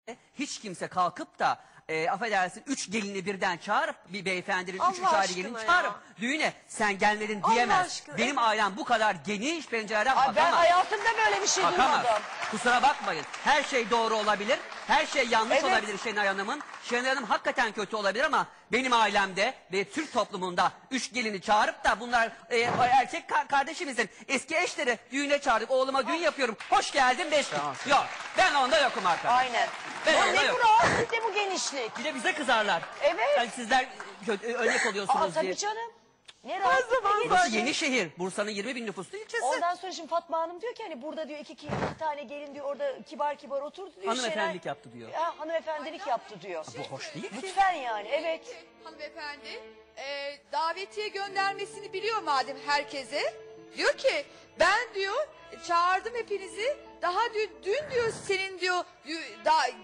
Hiç kimse kalkıp da affedersin 3 gelini birden çağırıp bir beyefendinin üç Allah ayrı gelini aşkına çağırıp ya. düğüne sen gelmedin Allah diyemez. aşkına, Benim evet. ailem bu kadar geniş pencereden Ay, bakamaz. ben hayatımda böyle bir şey Bakamaz. duymadım. Kusura bakmayın. Her şey doğru olabilir. Her şey yanlış Evet. olabilir Şenay Hanım'ın. Şenay Hanım hakikaten kötü olabilir ama benim ailemde ve Türk toplumunda 3 gelini çağırıp da bunlar erkek kardeşimizin eski eşleri düğüne çağırdık. Oğluma düğün yapıyorum. Hoş geldin 5 gün. Yok. Ben onda yokum arkadaşlar. Aynen. Ben Ya onda ne bu yokum. rahatsızlık ne bu genişlik? Bir de bize kızarlar. Evet. Yani sizler örnek oluyorsunuz Aa, diye. tabii canım. Ne rahatsızlık ne Burası genişlik. Yenişehir. Bursa'nın 20 bin nüfuslu ilçesi. Ondan sonra şimdi Fatma Hanım diyor ki hani burada diyor iki tane gelin diyor orada kibar kibar oturdu diyor. Hanımefendilik yaptı diyor. Ha, hanımefendilik yaptı diyor. Bu hoş değil ki. Lütfen yani evet. Hanımefendi davetiye göndermesini biliyor madem herkese. Diyor ki ben diyor çağırdım hepinizi. Daha dün diyor senin diyor